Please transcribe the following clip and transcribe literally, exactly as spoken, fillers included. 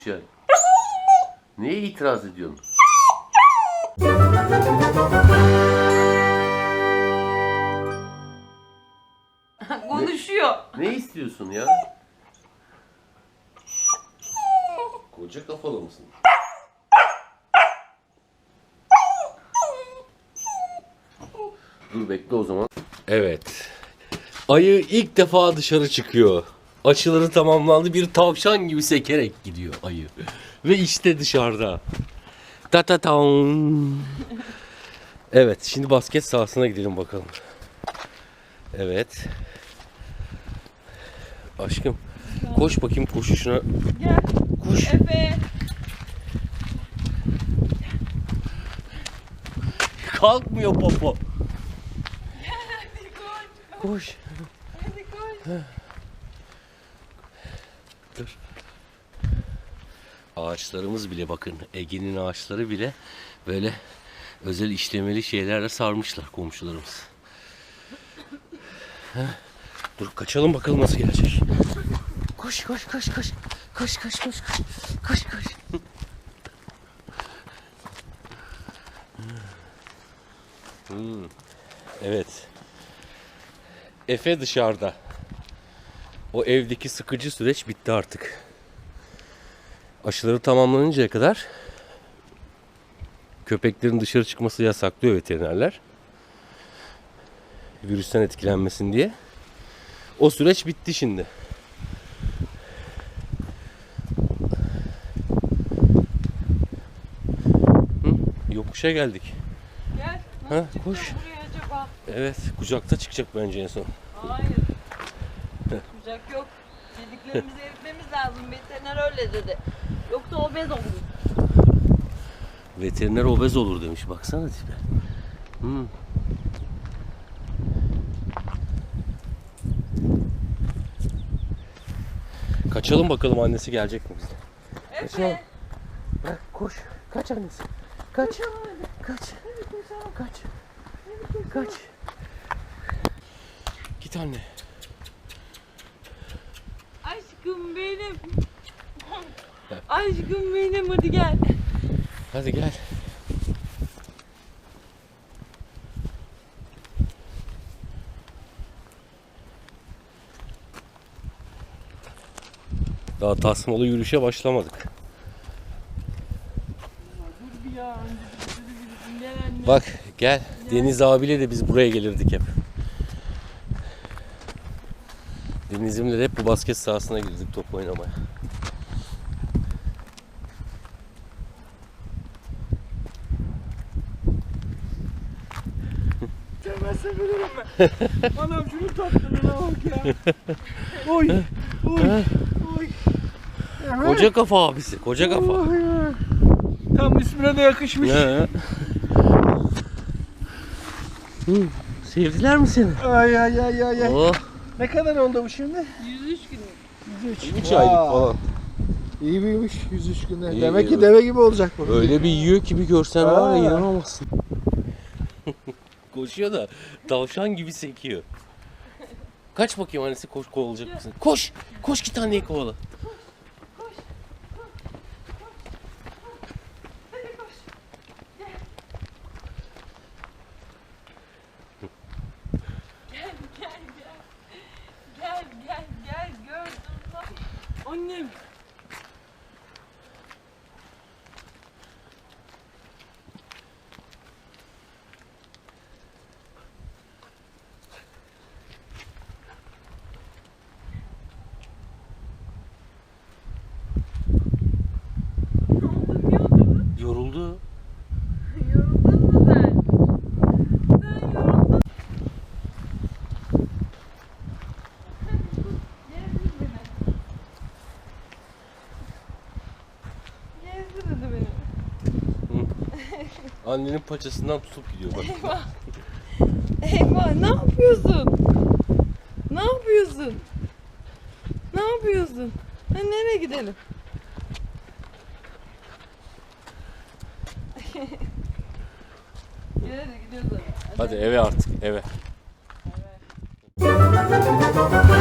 Yani. Neye itiraz ediyorsun? Konuşuyor. Ne istiyorsun ya? Koca kafalı mısın? Dur bekle o zaman. Evet. Ayı ilk defa dışarı çıkıyor. Aşıları tamamlandı. Bir tavşan gibi sekerek gidiyor ayı. Ve işte dışarıda. Ta ta taun. Evet, şimdi basket sahasına gidelim bakalım. Evet. Aşkım, koş bakayım koşuşuna. Gel. Koş. Efe. Kalkmıyor popo. Hadi koş. Koş. Hadi koş. Dur. Ağaçlarımız bile bakın. Ege'nin ağaçları bile böyle özel işlemeli şeylerle sarmışlar komşularımız. Heh. Dur kaçalım bakalım nasıl gelecek. Koş koş koş koş. Koş koş koş koş. Koş koş. Hmm. Evet. Efe dışarıda. O evdeki sıkıcı süreç bitti artık. Aşıları tamamlanıncaya kadar köpeklerin dışarı çıkması yasaklıyor veterinerler. Virüsten etkilenmesin diye. O süreç bitti şimdi. Hı, yokuşa geldik. Gel. Ha, Nasıl çıkacağız koş. buraya acaba? Evet, kucakta çıkacak bence en son. Hayır. Kucak yok. Yediklerimizi eritmemiz lazım. Veteriner öyle dedi. Yoksa obez olur. Veteriner obez olur demiş. Baksana tipe. Hmm. Kaçalım bakalım annesi gelecek mi bize? Kaçalım. Efe. Bırak koş. Kaç annesi. Kaç. Koşalım hadi. Kaç. Hadi koşalım. Kaç. Hadi koşalım. Kaç. Git anne. Aşkım benim. Aşkım benim hadi gel. Hadi gel. Daha tasmalı yürüyüşe başlamadık. Dur bir ya. Önce bir- bir- bir- Gel anne. Bak gel. Deniz abiyle de biz buraya gelirdik hep. Denizimle de hep bu basket sahasına girdik top oynamaya. Sevmezse veririm ben. Anam şunu tatlılığına bak ya. Oy. Oy. Oy. Koca kafa abisi. Koca kafa. Oy ya. Tam ismine de yakışmış. He. Hı, sevdiler mi seni? Ay ay ay ay. ay. Oh. Ne kadar oldu bu şimdi? yüz üç gün. yüz üç. üç aylık falan. İyi büyümüş yüz üç günde. İyi, Demek iyi. ki deve gibi olacak bu. Öyle bir yiyor ki bir görsen var ya Aa. inanamazsın. Koşuyor da tavşan gibi sekiyor. Kaç bakayım annesi koş kovalayacak mısın? Koş! Koş git anneyi kovala. Gel gel gel. Gel gel gel gördüm bak. Annem. Ne oldu? Niye oturdun? Yoruldu. Yoruldun mu sen? Sen yoruldun. Gezdir beni. Gezdir hadi beni. Annenin paçasından tutup gidiyor bak. Eyvah. Eyvah ne yapıyorsun? Ne yapıyorsun? Ne yapıyorsun? Ha, nereye gidelim? Gel hadi gidiyoruz hadi. Hadi eve artık eve. Evet.